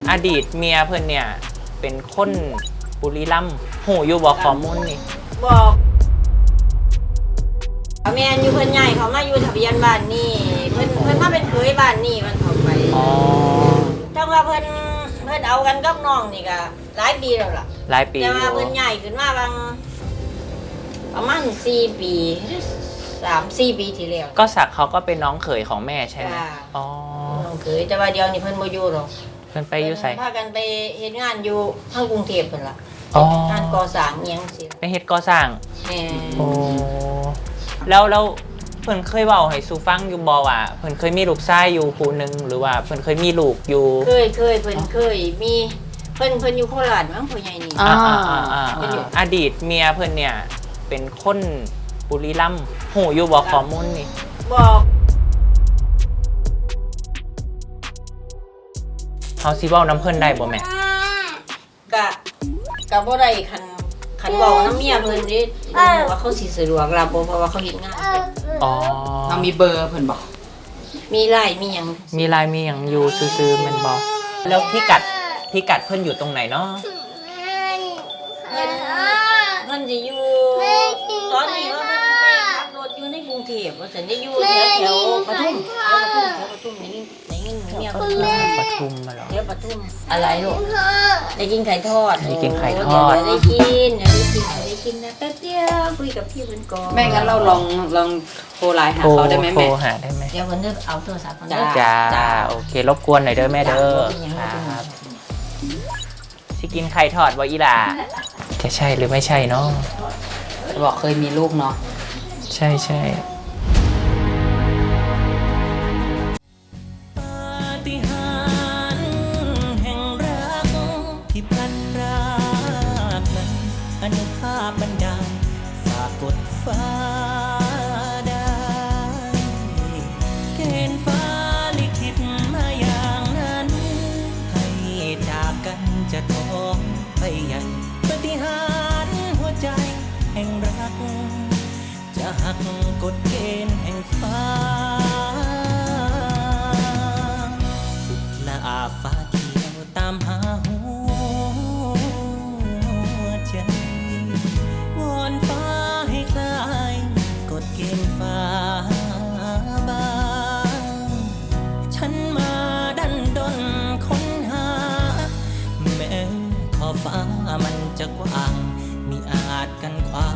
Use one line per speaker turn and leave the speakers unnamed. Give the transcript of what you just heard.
อดีตเมียเพื่อนเนี่ยเป็นคนบุรีรัมย์หูอยู่บอกข้อมูลนี่
บอกแม่อยู่เพิ่นใหญ่เขามาอยู่ทะเบียนบ้านนี่เพิ่นมาเป็นเคยบ้านนี่มันเข้าไปจังว่าเพิ่นเอากันกับน้องนี่ก็หลายปีแล้วล่ะ
หลายปี
แต่ว่าเพิ่นใหญ่ขึ้นมาบางประมาณ4 ปี3-4 ปีที่แล้ว
ก็สักเขาก็เป็นน้องเขยของแม่ใช่ไหม
อ๋อน้องเขยแต่ว่าเดี๋ยวนี้เพิ่นบ่อยู่หรอก
เพิ่นไปอยู่ไส
พากันไปเฮ็ดงานอยู่ทางกรุงเทพเพิ่นล่ะงานก่อสร้างอีหยังสิ
ไปเฮ็ดก่อสร้างโอ้แล้วเพิ่นเคยเว้าให้สู่ฟังอยู่บ่ว่าเพิ่นเคยมีลูกชายอยู่ผู้นึงหรือว่าเพิ่นเคยมีลูกอยู่
เคยเพิ่นเคยมีเพิ่นอยู่โคราชมั้งพ่อใหญ่นี่
อดีตเมียเพิ่นเนี่ยเป็นคนบุรีรัมย์หูอยู่บอกข้อมูลนี่
บอก
เฮาสิเว้าน้ำเพิ่นได้บ่แม่
กะบ่ได้คันเว้าน้ำเมียเพิ่นนี่ว่าเขาสิสะดวกรับบ่เพราะว่าเขาเฮ็ดงาน
อ๋อ
เรามีเบอร์เพิ่นบ่
มีไลน์มีหยัง
อยู่ซื่อๆแม่นบ่แล้วพิกัดเพิ่นอยู่ตรงไหนเนาะ
เพิ่นสิอยู่ตอนนี้ว่าเพิ่นไปขับรถอยู่ในกรุงเทพว่าซั่นได้อยู่แถวปทุมนี่เมียเพิ่น
ปทุมมาเหรอ
แถวปทุมอะไรลูกได้กินไข่ทอด
ได้กินไข่ทอด
ได้กินนะแป๊บเดียวคุยกับพี่เพิ่นก่อน
แม่งั้นเราลองโทรไลน์หาเขาได้ไหมแม่
โทรหาได้ไหม
เดี๋ยวเพิ่นจะเอาโทรศัพท์เพิ่น
จ้าโอเครบกวนหน่อยเด้อแม่เด้อครับสิกินไข่ทอดบ่อีหล่าจะใช่หรือไม่ใช่เนาะ
บอกเคยมีลูกเนาะ
ใช่ปาฏิหาริย์แห่งรักที่พลัดพรากนั้นอนุภาพบันดาลฝากกดฟ้าได้เกณฑ์ฟ้าลิขิตมาอย่างนั้นให้จากกันจะท้องไปใหญ่ปาฏิหาริย์หัวใจแห่งรักจะหักกฎเกณฑ์แห่งฟ้าสุดละอาฟ้าเขียวตามหาหัวใจวอนฟ้าให้คลายกฎเกณฑ์ฟ้าบางฉันมาดันดนค้นหาแม้ขอบฟ้ามันจะกว้างมิอาจกันขวา